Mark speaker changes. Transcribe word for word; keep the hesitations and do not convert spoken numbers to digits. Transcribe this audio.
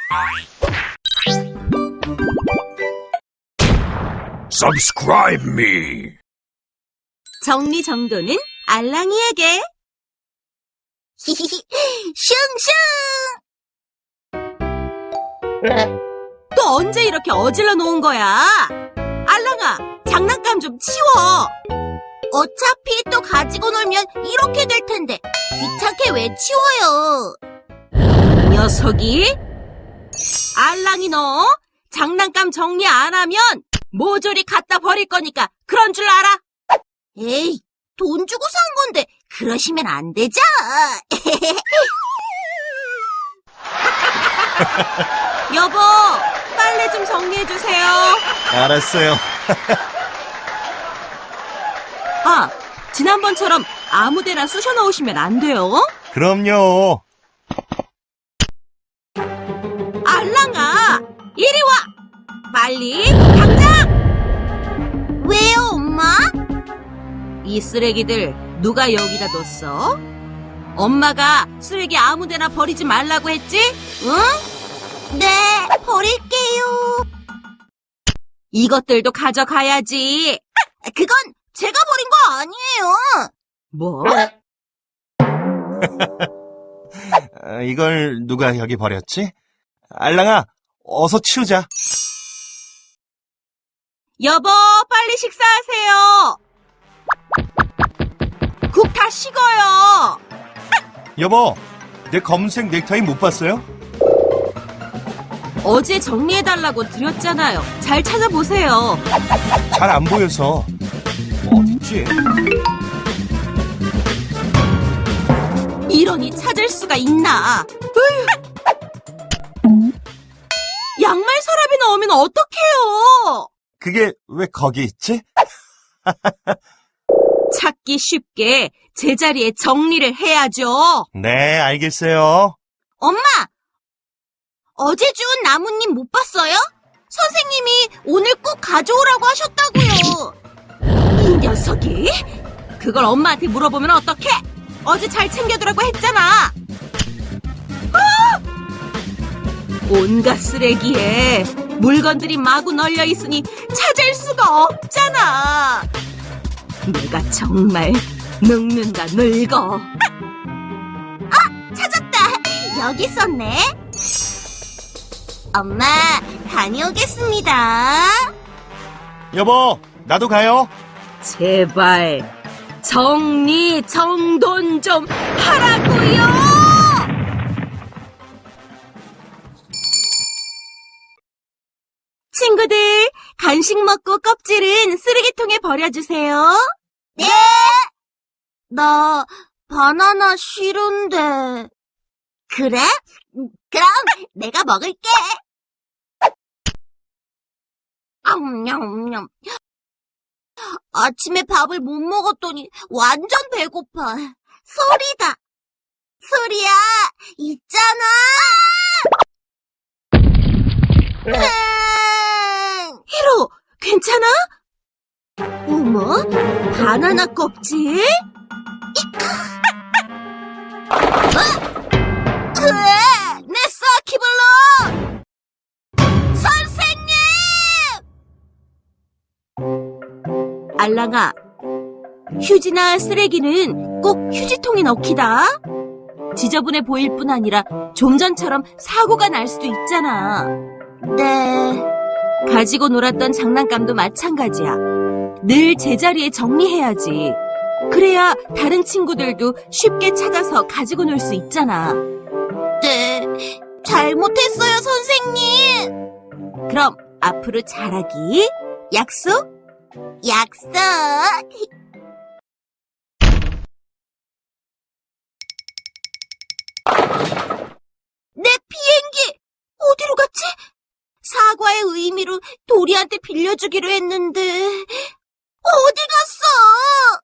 Speaker 1: Subscribe me.
Speaker 2: 정리정돈은 알랑이에게.
Speaker 3: 슝슝!
Speaker 2: 또 언제 이렇게 어질러 놓은 거야? 알랑아, 장난감 좀 치워.
Speaker 3: 어차피 또 가지고 놀면 이렇게 될 텐데 귀찮게 왜 치워요?
Speaker 2: 이 녀석이? 알랑이 너 장난감 정리 안 하면 모조리 갖다 버릴 거니까 그런 줄 알아?
Speaker 3: 에이, 돈 주고 산 건데 그러시면 안 되죠?
Speaker 2: 여보, 빨래 좀 정리해주세요.
Speaker 4: 알았어요.
Speaker 2: 아, 지난번처럼 아무데나 쑤셔 넣으시면 안 돼요.
Speaker 4: 그럼요.
Speaker 2: 알랑아, 이리 와! 빨리, 당장!
Speaker 3: 왜요, 엄마?
Speaker 2: 이 쓰레기들 누가 여기다 뒀어? 엄마가 쓰레기 아무데나 버리지 말라고 했지? 응?
Speaker 3: 네, 버릴게요.
Speaker 2: 이것들도 가져가야지.
Speaker 3: 그건 제가 버린 거 아니에요.
Speaker 2: 뭐?
Speaker 4: 아, 이걸 누가 여기 버렸지? 알랑아, 어서 치우자.
Speaker 2: 여보, 빨리 식사하세요. 국 다 식어요.
Speaker 4: 여보, 내 검은색 넥타이 못 봤어요?
Speaker 2: 어제 정리해달라고 드렸잖아요. 잘 찾아보세요.
Speaker 4: 잘 안 보여서. 어딨지?
Speaker 2: 이러니 찾을 수가 있나. 으휴. 양말 서랍에 넣으면 어떡해요.
Speaker 4: 그게 왜 거기 있지?
Speaker 2: 찾기 쉽게 제자리에 정리를 해야죠.
Speaker 4: 네, 알겠어요.
Speaker 3: 엄마! 어제 준 나뭇잎 못 봤어요? 선생님이 오늘 꼭 가져오라고 하셨다고요.
Speaker 2: 이 녀석이? 그걸 엄마한테 물어보면 어떡해? 어제 잘 챙겨두라고 했잖아. 아! 온갖 쓰레기에 물건들이 마구 널려 있으니 찾을 수가 없잖아. 내가 정말 늙는다 늙어.
Speaker 3: 찾았다. 여기 있었네. 엄마, 다녀오겠습니다.
Speaker 4: 여보, 나도 가요.
Speaker 2: 제발 정리 정돈 좀 하라고요. 친구들, 간식 먹고 껍질은 쓰레기통에 버려주세요.
Speaker 3: 네. 나 바나나 싫은데. 그래? 그럼 내가 먹을게. 냠냠냠. 아침에 밥을 못 먹었더니 완전 배고파. 소리다. 소리야, 있잖아. 음.
Speaker 2: 히로, 괜찮아? 어머, 바나나 껍질?
Speaker 3: 으아, 내 서키블로! 선생님!
Speaker 2: 알랑아, 휴지나 쓰레기는 꼭 휴지통에 넣기다. 지저분해 보일 뿐 아니라 좀 전처럼 사고가 날 수도 있잖아.
Speaker 3: 네.
Speaker 2: 가지고 놀았던 장난감도 마찬가지야. 늘 제자리에 정리해야지. 그래야 다른 친구들도 쉽게 찾아서 가지고 놀 수 있잖아.
Speaker 3: 네. 잘못했어요, 선생님.
Speaker 2: 그럼 앞으로 잘하기 약속?
Speaker 3: 약속. 내 비행기 어디로 갔지? 사과의 의미로 도리한테 빌려주기로 했는데 어디 갔어?